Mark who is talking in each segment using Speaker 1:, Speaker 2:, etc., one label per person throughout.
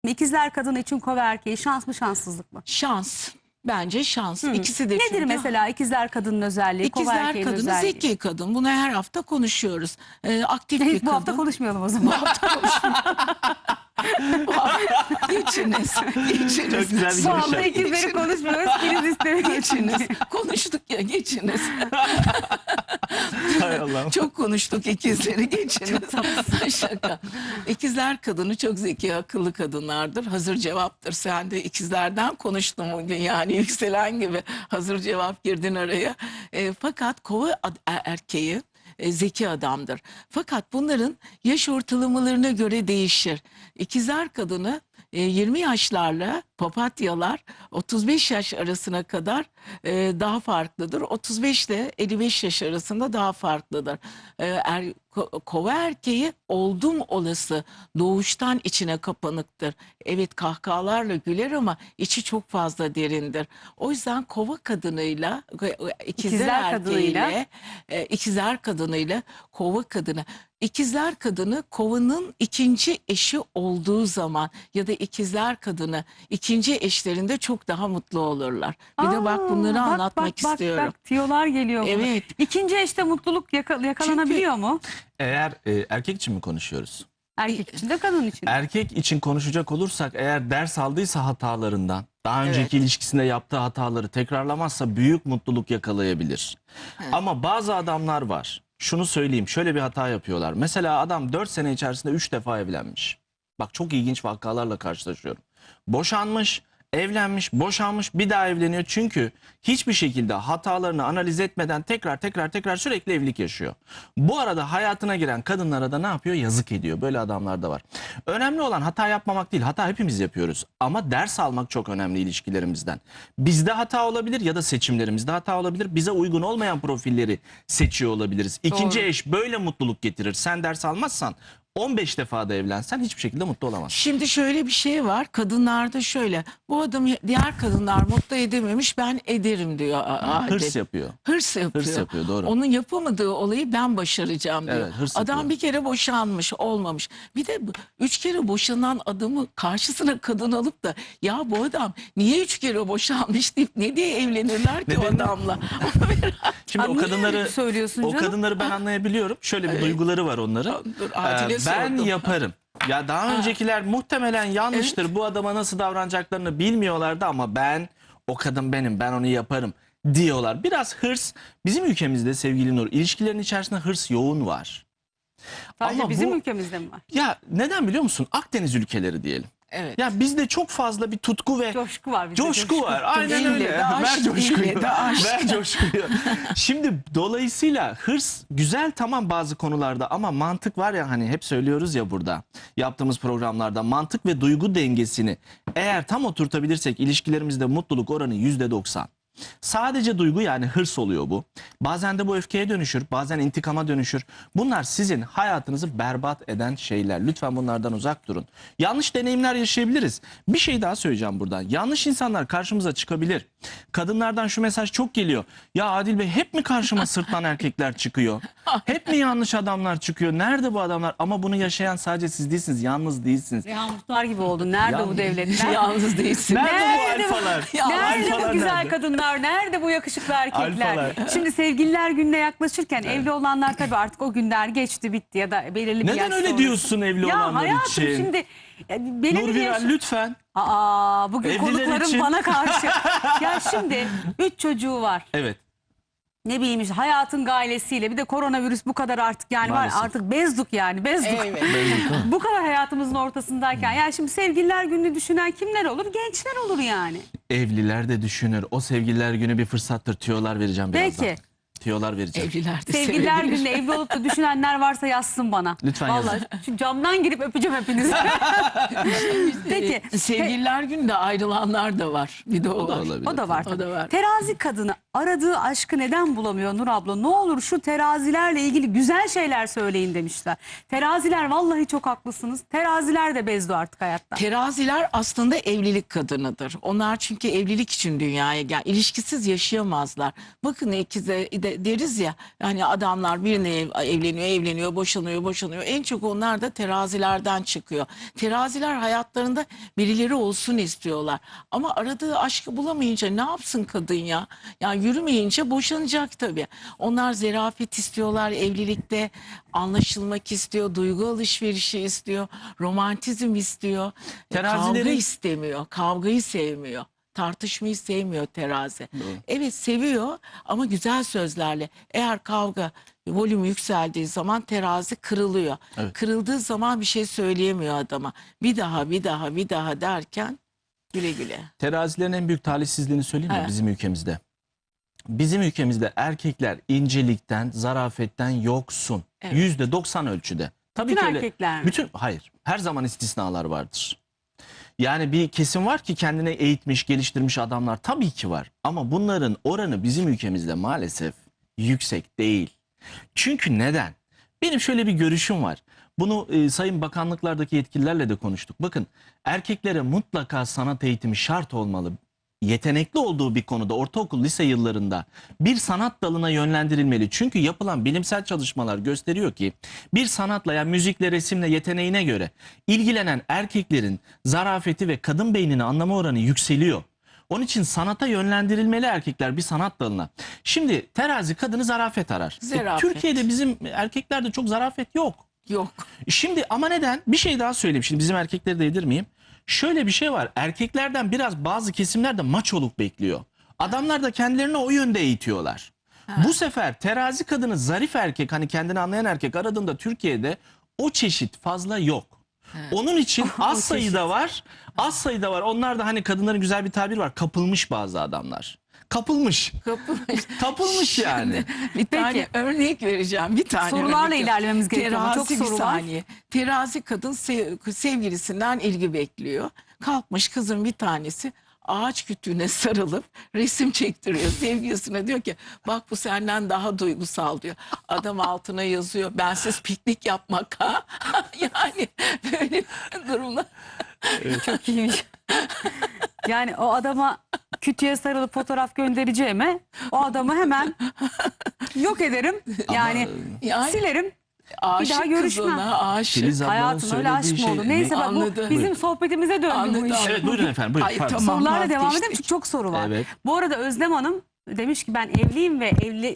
Speaker 1: İkizler kadını için kova erkeği şans mı şanssızlık mı?
Speaker 2: Şans. Bence şans. İkisi de
Speaker 1: Nedir
Speaker 2: çünkü.
Speaker 1: mesela ikizler kadının özelliği, kova
Speaker 2: İkizler
Speaker 1: erkeğin
Speaker 2: kadını
Speaker 1: özelliği?
Speaker 2: zeki kadın. Bunu her hafta konuşuyoruz. Aktif bir
Speaker 1: Bu
Speaker 2: kadın.
Speaker 1: hafta konuşmayalım o zaman.
Speaker 2: Geçiniz. Geçiniz.
Speaker 3: Çok güzel bir
Speaker 1: Bu hafta
Speaker 3: giriş.
Speaker 1: ikizleri konuşmuyoruz. Kriz istemeye
Speaker 2: Geçiniz. Konuştuk ya, geçiniz.
Speaker 3: Hay Allah'ım.
Speaker 2: Çok konuştuk ikizleri, geçiniz. Şaka. İkizler kadını çok zeki, akıllı kadınlardır. Hazır cevaptır. Sen de ikizlerden konuştun bugün, yani yükselen gibi hazır cevap girdin araya. Fakat kova erkeği zeki adamdır. Fakat bunların yaş ortalamalarına göre değişir. İkizler kadını 20 yaşlarla papatyalar 35 yaş arasına kadar daha farklıdır. 35 ile 55 yaş arasında daha farklıdır. Kova erkeği oldum olası doğuştan içine kapanıktır. Evet, kahkahalarla güler ama içi çok fazla derindir. O yüzden kova kadınıyla ikizler erkeğiyle ikizler kadınıyla kova kadını. İkizler kadını kovanın ikinci eşi olduğu zaman ya da ikizler kadını ikinci eşlerinde çok daha mutlu olurlar. Bir de bak bunları anlatmak istiyorum.
Speaker 1: Bak tiyolar geliyor.
Speaker 2: Evet.
Speaker 1: İkinci eşte mutluluk yakalanabiliyor mu?
Speaker 3: Eğer erkek için mi konuşuyoruz?
Speaker 1: Erkek için de kadın için.
Speaker 3: Erkek için konuşacak olursak, eğer ders aldıysa hatalarından, daha önceki ilişkisinde yaptığı hataları tekrarlamazsa büyük mutluluk yakalayabilir. Ama bazı adamlar var. Şunu söyleyeyim, şöyle bir hata yapıyorlar. Mesela adam 4 sene içerisinde 3 defa evlenmiş. Bak, çok ilginç vakalarla karşılaşıyorum. Boşanmış, evlenmiş, boşanmış, bir daha evleniyor. Çünkü hiçbir şekilde hatalarını analiz etmeden tekrar sürekli evlilik yaşıyor. Bu arada hayatına giren kadınlara da ne yapıyor? Yazık ediyor. Böyle adamlar da var. Önemli olan hata yapmamak değil. Hata hepimiz yapıyoruz. Ama ders almak çok önemli ilişkilerimizden. Bizde hata olabilir ya da seçimlerimizde hata olabilir. Bize uygun olmayan profilleri seçiyor olabiliriz. İkinci
Speaker 1: Doğru.
Speaker 3: eş böyle mutluluk getirir. Sen ders almazsan 15 defa da evlensen hiçbir şekilde mutlu olamazsın.
Speaker 2: Şimdi şöyle bir şey var. Kadınlarda şöyle. Bu adamı diğer kadınlar mutlu edememiş, ben ederim diyor.
Speaker 3: Hırs yapıyor.
Speaker 2: Hırs yapıyor.
Speaker 3: Hırs yapıyor, doğru.
Speaker 2: Onun yapamadığı olayı ben başaracağım diyor.
Speaker 3: Evet, hırs
Speaker 2: Adam
Speaker 3: yapıyor.
Speaker 2: bir kere boşanmış, olmamış. Bir de 3 kere boşanan adamı karşısına kadın alıp da ya bu adam niye 3 kere boşanmış deyip ne diye evlenirler ki o
Speaker 3: Neden?
Speaker 2: adamla?
Speaker 3: Şimdi
Speaker 1: Abi
Speaker 3: o
Speaker 1: niye
Speaker 3: kadınları
Speaker 1: öyle söylüyorsun
Speaker 3: o
Speaker 1: canım?
Speaker 3: kadınları ben anlayabiliyorum. Şöyle bir duyguları var onların.
Speaker 2: Dur, Adile
Speaker 3: Ben
Speaker 2: sordum.
Speaker 3: yaparım. Ya daha öncekiler muhtemelen yanlıştır. Bu adama nasıl davranacaklarını bilmiyorlardı ama o kadın benim, ben onu yaparım diyorlar. Biraz hırs bizim ülkemizde sevgili Nur, ilişkilerin içerisinde hırs yoğun var.
Speaker 1: Sadece
Speaker 3: ama
Speaker 1: bizim
Speaker 3: bu-
Speaker 1: ülkemizde mi var?
Speaker 3: Ya neden biliyor musun? Akdeniz ülkeleri diyelim.
Speaker 2: Evet.
Speaker 3: Ya bizde çok fazla bir tutku ve
Speaker 1: Coşku var bizde.
Speaker 3: coşku var. Aynen
Speaker 2: Dille
Speaker 3: öyle.
Speaker 2: de aşk,
Speaker 3: Ver coşkuyu.
Speaker 2: dille de aşk.
Speaker 3: Ver coşkuyu. Şimdi dolayısıyla hırs güzel, tamam, bazı konularda, ama mantık var ya, hani hep söylüyoruz ya burada yaptığımız programlarda, mantık ve duygu dengesini eğer tam oturtabilirsek ilişkilerimizde mutluluk oranı %90. Sadece duygu, yani hırs oluyor bu. Bazen de bu öfkeye dönüşür, bazen intikama dönüşür. Bunlar sizin hayatınızı berbat eden şeyler. Lütfen bunlardan uzak durun. Yanlış deneyimler yaşayabiliriz. Bir şey daha söyleyeceğim buradan. Yanlış insanlar karşımıza çıkabilir. Kadınlardan şu mesaj çok geliyor. Ya Adil Bey, hep mi karşıma sırtlan erkekler çıkıyor? Hep mi yanlış adamlar çıkıyor? Nerede bu adamlar? Ama bunu yaşayan sadece siz değilsiniz. Yalnız değilsiniz.
Speaker 1: Rehan Muhtar gibi oldun. Nerede bu devletler?
Speaker 2: Yalnız değilsin.
Speaker 3: Nerede bu alfalar?
Speaker 1: Nerede
Speaker 3: Alfalar
Speaker 1: bu güzel
Speaker 3: nerede?
Speaker 1: kadınlar? Nerede bu yakışıklı erkekler?
Speaker 3: Alfalar.
Speaker 1: Şimdi sevgililer gününe yaklaşırken evli olanlar tabii artık o günler geçti bitti ya da belirli bir yaş
Speaker 3: Neden öyle
Speaker 1: sonrası.
Speaker 3: diyorsun evli
Speaker 1: Ya
Speaker 3: olanlar
Speaker 1: hayatım
Speaker 3: için?
Speaker 1: şimdi belirli
Speaker 3: Nur
Speaker 1: bir yaş...
Speaker 3: Viral, lütfen.
Speaker 1: Bugün
Speaker 3: Evliler
Speaker 1: konuklarım
Speaker 3: için.
Speaker 1: bana karşı. Ya şimdi 3 çocuğu var.
Speaker 3: Evet.
Speaker 1: Ne bileyim işte hayatın gailesiyle bir de koronavirüs bu kadar artık yani
Speaker 3: Maalesef.
Speaker 1: var artık bezduk yani bezduk.
Speaker 2: Evet.
Speaker 1: Bu kadar hayatımızın ortasındayken yani şimdi sevgililer gününü düşünen kimler olur? Gençler olur yani.
Speaker 3: Evliler de düşünür. O sevgililer günü bir fırsattır. Tüyolar vereceğim birazdan.
Speaker 1: Peki.
Speaker 3: Tüyolar vereceğim.
Speaker 2: Evliler de
Speaker 1: Sevgililer
Speaker 2: sevebilir.
Speaker 1: gününde evli olup da düşünenler varsa yazsın bana.
Speaker 3: Lütfen
Speaker 1: Vallahi
Speaker 3: yazın.
Speaker 1: şu camdan girip öpeceğim hepinizi. Peki.
Speaker 2: Sevgililer günde ayrılanlar da var. Bir de o,
Speaker 3: O da
Speaker 2: var.
Speaker 3: olabilir.
Speaker 1: O da var.
Speaker 2: O da var.
Speaker 1: Terazi kadını aradığı aşkı neden bulamıyor Nur abla? Ne olur şu terazilerle ilgili güzel şeyler söyleyin demişler. Teraziler vallahi çok haklısınız. Teraziler de bezdi artık hayatta.
Speaker 2: Teraziler aslında evlilik kadınıdır. Onlar çünkü evlilik için dünyaya gel. İlişkisiz yaşayamazlar. Bakın ikize de böyle deriz ya, hani adamlar birine evleniyor, boşanıyor. En çok onlar da terazilerden çıkıyor. Teraziler hayatlarında birileri olsun istiyorlar. Ama aradığı aşkı bulamayınca ne yapsın kadın ya? Yani yürümeyince boşanacak tabii. Onlar zerafet istiyorlar evlilikte, anlaşılmak istiyor, duygu alışverişi istiyor, romantizm istiyor. Kavga
Speaker 3: Terazilerin-
Speaker 2: istemiyor, kavgayı sevmiyor. Tartışmayı sevmiyor terazi.
Speaker 3: Doğru.
Speaker 2: Evet, seviyor ama güzel sözlerle. Eğer kavga volümü yükseldiği zaman terazi kırılıyor.
Speaker 3: Evet.
Speaker 2: Kırıldığı zaman bir şey söyleyemiyor adama. Bir daha derken güle güle.
Speaker 3: Terazilerin en büyük talihsizliğini söyleyeyim mi
Speaker 2: Evet.
Speaker 3: bizim ülkemizde? Bizim ülkemizde erkekler incelikten, zarafetten yoksun.
Speaker 2: Evet.
Speaker 3: %90 ölçüde. Tabii
Speaker 1: Bütün
Speaker 3: ki öyle.
Speaker 1: erkekler mi?
Speaker 3: Hayır. Her zaman istisnalar vardır. Yani bir kesim var ki kendine eğitmiş, geliştirmiş adamlar tabii ki var. Ama bunların oranı bizim ülkemizde maalesef yüksek değil. Çünkü neden? Benim şöyle bir görüşüm var. Bunu sayın bakanlıklardaki yetkililerle de konuştuk. Bakın, erkeklere mutlaka sanat eğitimi şart olmalı. Yetenekli olduğu bir konuda ortaokul, lise yıllarında bir sanat dalına yönlendirilmeli. Çünkü yapılan bilimsel çalışmalar gösteriyor ki bir sanatla, yani müzikle, resimle, yeteneğine göre ilgilenen erkeklerin zarafeti ve kadın beynini anlama oranı yükseliyor. Onun için sanata yönlendirilmeli erkekler bir sanat dalına. Şimdi terazi kadını zarafet arar.
Speaker 2: Zarafet.
Speaker 3: Türkiye'de bizim erkeklerde çok zarafet yok.
Speaker 2: Yok.
Speaker 3: Şimdi ama neden? Bir şey daha söyleyeyim. Şimdi bizim erkekleri de yedirmeyeyim. Şöyle bir şey var. Erkeklerden biraz bazı kesimlerde maçoluk bekliyor. Adamlar da kendilerini o yönde eğitiyorlar. Bu sefer terazi kadını zarif erkek, hani kendini anlayan erkek aradığında Türkiye'de o çeşit fazla yok. Onun için az sayıda var. Az sayıda var. Onlar da hani kadınların güzel bir tabir var. Kapılmış bazı adamlar. Kapılmış. Kapılmış yani.
Speaker 2: Bir tane örnek vereceğim. Bir tane
Speaker 1: Sorularla
Speaker 2: örnek.
Speaker 1: ilerlememiz gerekiyor ama çok
Speaker 2: Terazi, bir
Speaker 1: soru var.
Speaker 2: saniye. Terazi kadın sevgilisinden ilgi bekliyor. Kalkmış kızın bir tanesi ağaç kütüğüne sarılıp resim çektiriyor. Sevgilisine diyor ki bak bu senden daha duygusal diyor. Adam altına yazıyor, bensiz piknik yapmak ha. Yani böyle durumlar.
Speaker 1: Çok iyiymiş. Yani o adama kütüğe sarılıp fotoğraf göndereceğime o adamı hemen yok ederim. Yani
Speaker 2: Yani
Speaker 1: silerim.
Speaker 2: aşık
Speaker 1: daha görüşmem.
Speaker 2: kızına, aşık.
Speaker 3: Filiz ablanın
Speaker 1: Hayatım öyle aşk
Speaker 3: söylediği
Speaker 1: mı olur?
Speaker 3: şey-
Speaker 1: Neyse bak bu
Speaker 2: Anladı.
Speaker 1: bizim
Speaker 3: Buyurun.
Speaker 1: sohbetimize döndü bu
Speaker 2: Anladı,
Speaker 1: iş.
Speaker 2: anladı.
Speaker 3: Evet, buyurun efendim. Buyurun.
Speaker 2: Ay,
Speaker 3: Pardon.
Speaker 2: tamam.
Speaker 1: Sorularla devam
Speaker 2: vazgeçtik.
Speaker 1: edelim çünkü çok soru var.
Speaker 3: Evet.
Speaker 1: Bu arada Özlem Hanım demiş ki ben evliyim ve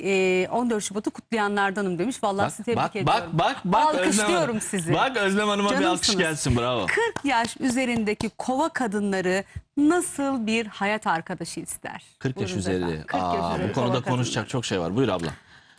Speaker 1: 14 Şubat'ı kutlayanlardanım demiş. Vallahi sizi tebrik ediyorum.
Speaker 3: Bak
Speaker 1: Alkışlıyorum
Speaker 3: Özlem Hanım.
Speaker 1: sizi.
Speaker 3: Bak Özlem Hanım'a bir alkış
Speaker 1: Canımsınız.
Speaker 3: gelsin, bravo.
Speaker 1: 40 yaş üzerindeki kova kadınları nasıl bir hayat arkadaşı ister?
Speaker 3: 40 yaş
Speaker 1: Buyurun
Speaker 3: üzeri.
Speaker 1: efendim. 40 yaş
Speaker 3: Aa,
Speaker 1: üzeri
Speaker 3: bu konuda
Speaker 1: kova
Speaker 3: konuşacak
Speaker 1: kadınları.
Speaker 3: çok şey var. Buyur abla.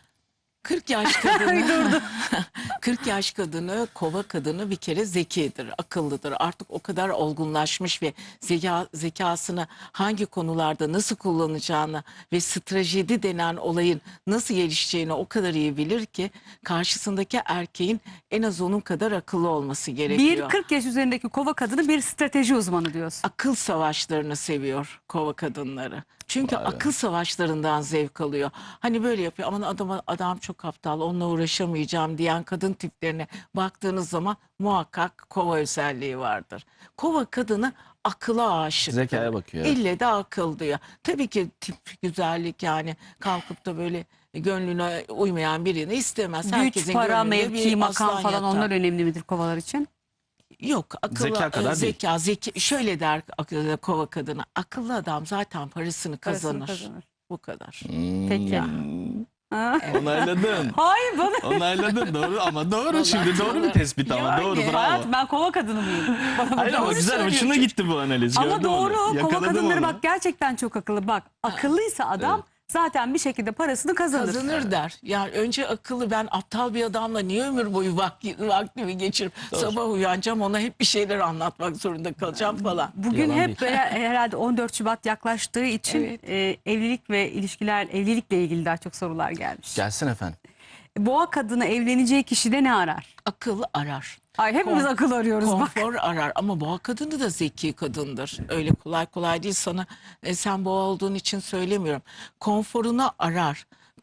Speaker 2: 40 yaş kadını 40 yaş kadını, kova kadını bir kere zekidir, akıllıdır. Artık o kadar olgunlaşmış ve zekasını hangi konularda nasıl kullanacağını ve stratejide denen olayın nasıl gelişeceğini o kadar iyi bilir ki karşısındaki erkeğin en az onun kadar akıllı olması
Speaker 1: Bir
Speaker 2: gerekiyor.
Speaker 1: 40 yaş üzerindeki kova kadını bir strateji uzmanı diyorsun.
Speaker 2: Akıl savaşlarını seviyor kova kadınları. Çünkü akıl savaşlarından zevk alıyor. Hani böyle yapıyor. Aman adam çok aptal, onunla uğraşamayacağım diyen kadın tiplerine baktığınız zaman muhakkak kova özelliği vardır. Kova kadını akıla aşık.
Speaker 3: Zekaya bakıyor, evet.
Speaker 2: İlle de akıl diyor. Tabii ki tip güzellik, yani kalkıp da böyle gönlüne uymayan birini istemez.
Speaker 1: Güç, para,
Speaker 2: gönlünde
Speaker 1: mevki,
Speaker 2: bir
Speaker 1: makam
Speaker 2: aslan
Speaker 1: falan
Speaker 2: yatar.
Speaker 1: onlar önemli midir kovalar için?
Speaker 2: Yok, akıllı
Speaker 3: Zeka kadar değil.
Speaker 2: zeki şöyle der kova kadını, akıllı adam zaten parasını
Speaker 1: Parasını
Speaker 2: kazanır.
Speaker 1: kazanır.
Speaker 2: Bu kadar.
Speaker 1: Peki. Ha?
Speaker 3: Onayladın.
Speaker 1: Hayır bana.
Speaker 3: Onayladın, doğru ama doğru şimdi, doğru bir tespit ama
Speaker 2: Yani.
Speaker 3: doğru, bravo.
Speaker 1: Hayat ben kova kadını mıyım? Bana
Speaker 3: Hayır ama
Speaker 1: doğru
Speaker 3: güzel,
Speaker 1: söylüyor
Speaker 3: hoşuna
Speaker 1: çünkü.
Speaker 3: gitti bu analiz.
Speaker 1: Ama
Speaker 3: gördüm onu.
Speaker 1: doğru kova
Speaker 3: Yakaladım
Speaker 1: kadınları
Speaker 3: onu.
Speaker 1: bak gerçekten çok akıllı. Bak akıllıysa adam zaten bir şekilde parasını kazanır.
Speaker 2: Kazanır der. Yani önce akıllı, ben aptal bir adamla niye ömür boyu vaktimi geçirip sabah uyanacağım, ona hep bir şeyler anlatmak zorunda kalacağım falan.
Speaker 1: Bugün
Speaker 3: Yalan
Speaker 1: hep
Speaker 3: değil.
Speaker 1: böyle herhalde 14 Şubat yaklaştığı için
Speaker 2: Evet.
Speaker 1: evlilik ve ilişkiler, evlilikle ilgili daha çok sorular gelmiş.
Speaker 3: Gelsin efendim.
Speaker 1: Boğa kadını evleneceği kişide ne arar?
Speaker 2: Akıl arar.
Speaker 1: Ay hepimiz
Speaker 2: Kon-
Speaker 1: akıl arıyoruz bak.
Speaker 2: Konfor arar ama boğa kadını da zeki kadındır. Öyle kolay kolay değil sana, sen boğa olduğun için söylemiyorum. Konforunu arar.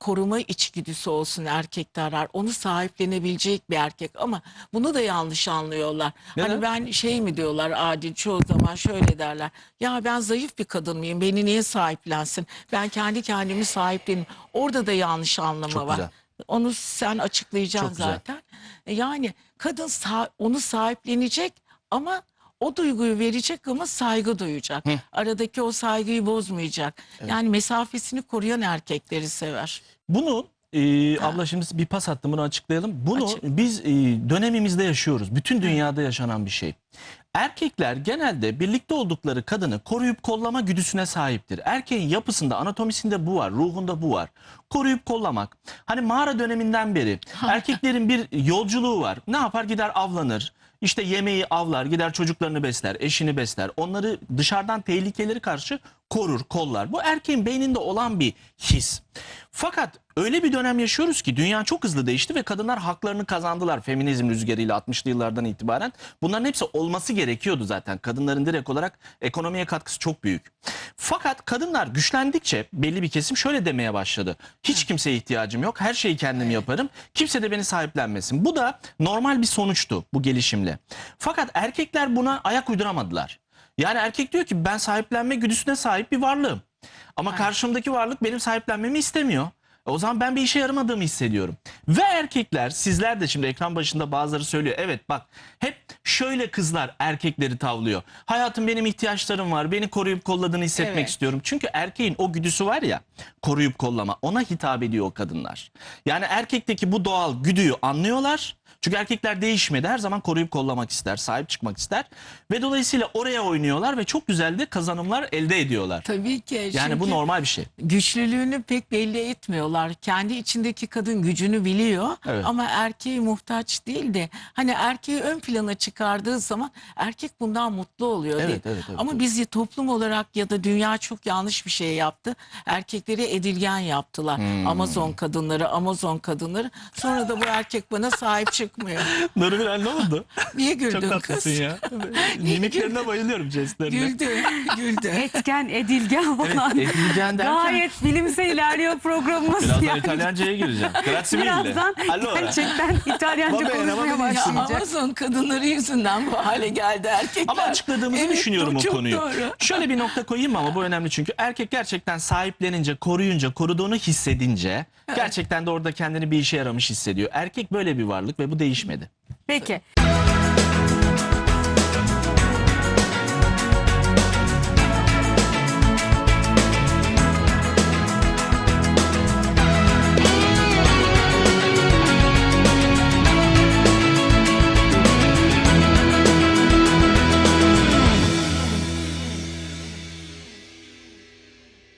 Speaker 2: koruma içgüdüsü olsun erkekte arar. Onu sahiplenebilecek bir erkek ama bunu da yanlış anlıyorlar.
Speaker 3: Neden?
Speaker 2: Hani ben şey mi diyorlar adil çoğu zaman şöyle derler. Ya ben zayıf bir kadın mıyım? Beni niye sahiplensin? Ben kendi kendimi sahipleneyim. Orada da yanlış anlama
Speaker 3: Çok
Speaker 2: var.
Speaker 3: güzel.
Speaker 2: Onu sen açıklayacaksın
Speaker 3: Çok güzel.
Speaker 2: zaten. Yani kadın onu sahiplenecek ama o duyguyu verecek ama saygı duyacak. Aradaki o saygıyı bozmayacak. Yani mesafesini koruyan erkekleri sever.
Speaker 3: Bunu abla şimdi bir pas attım, bunu açıklayalım. Bunu
Speaker 2: Açık.
Speaker 3: biz dönemimizde yaşıyoruz. Bütün dünyada yaşanan bir şey. Erkekler genelde birlikte oldukları kadını koruyup kollama güdüsüne sahiptir. Erkeğin yapısında, anatomisinde bu var, ruhunda bu var. Koruyup kollamak. Hani mağara döneminden beri erkeklerin bir yolculuğu var. Ne yapar? Gider avlanır. İşte yemeği avlar, gider çocuklarını besler, eşini besler. Onları dışarıdan tehlikeleri karşı korur, kollar. Bu erkeğin beyninde olan bir his. Fakat öyle bir dönem yaşıyoruz ki dünya çok hızlı değişti ve kadınlar haklarını kazandılar feminizm rüzgarıyla 60'lı yıllardan itibaren. Bunların hepsi olması gerekiyordu zaten. Kadınların direkt olarak ekonomiye katkısı çok büyük. Fakat kadınlar güçlendikçe belli bir kesim şöyle demeye başladı. Hiç kimseye ihtiyacım yok, her şeyi kendim yaparım. Kimse de beni sahiplenmesin. Bu da normal bir sonuçtu bu gelişimle. Fakat erkekler buna ayak uyduramadılar. Yani erkek diyor ki ben sahiplenme güdüsüne sahip bir varlığım. Ama karşımdaki varlık benim sahiplenmemi istemiyor. O zaman ben bir işe yaramadığımı hissediyorum. Ve erkekler, sizler de şimdi ekran başında bazıları söylüyor. Evet bak, hep şöyle kızlar erkekleri tavlıyor. Hayatım benim ihtiyaçlarım var. Beni koruyup kolladığını hissetmek
Speaker 2: Evet.
Speaker 3: istiyorum. Çünkü erkeğin o güdüsü var ya, koruyup kollama, ona hitap ediyor o kadınlar. Yani erkekteki bu doğal güdüyü anlıyorlar. Çünkü erkekler değişmedi. Her zaman koruyup kollamak ister, sahip çıkmak ister. Ve dolayısıyla oraya oynuyorlar ve çok güzel de kazanımlar elde ediyorlar.
Speaker 2: Tabii ki.
Speaker 3: Yani bu
Speaker 2: çünkü
Speaker 3: normal bir şey.
Speaker 2: güçlülüğünü pek belli etmiyorlar. Kendi içindeki kadın gücünü biliyor
Speaker 3: Evet.
Speaker 2: ama erkeğe muhtaç değil de hani erkeği ön plana çıkardığı zaman erkek bundan mutlu oluyor değil.
Speaker 3: Evet, evet,
Speaker 2: Ama
Speaker 3: evet.
Speaker 2: biz toplum olarak ya da dünya çok yanlış bir şey yaptı. Erkekleri edilgen yaptılar. Amazon kadınları. Sonra da bu erkek bana sahip çıkmıyor.
Speaker 3: Nurgül ne oldu?
Speaker 2: Niye güldün
Speaker 3: Çok
Speaker 2: kız?
Speaker 3: tatlısın ya. Mimiklerine bayılıyorum, jestlerine.
Speaker 2: Güldü.
Speaker 1: Etken, edilgen falan.
Speaker 3: Edilgen derken
Speaker 1: Gayet bilimsel ilerliyor programımız.
Speaker 3: birazdan
Speaker 1: yani.
Speaker 3: İtalyanca'ya gireceğim. Grazie mille.
Speaker 1: Birazdan
Speaker 3: Allora.
Speaker 1: gerçekten İtalyanca
Speaker 3: Va bene, va
Speaker 1: konuşmaya
Speaker 3: benissimo.
Speaker 2: Ya
Speaker 1: başlayacak.
Speaker 2: Amazon kadınları yüzünden bu hale geldi erkekler.
Speaker 3: Ama açıkladığımızı
Speaker 2: Evet,
Speaker 3: düşünüyorum o
Speaker 2: çok
Speaker 3: konuyu.
Speaker 2: doğru.
Speaker 3: Şöyle bir nokta koyayım ama bu önemli çünkü erkek gerçekten sahiplenince, koruyunca, koruduğunu hissedince gerçekten de orada kendini bir işe yaramış hissediyor. Erkek böyle bir varlık ve bu değişmedi.
Speaker 1: Peki.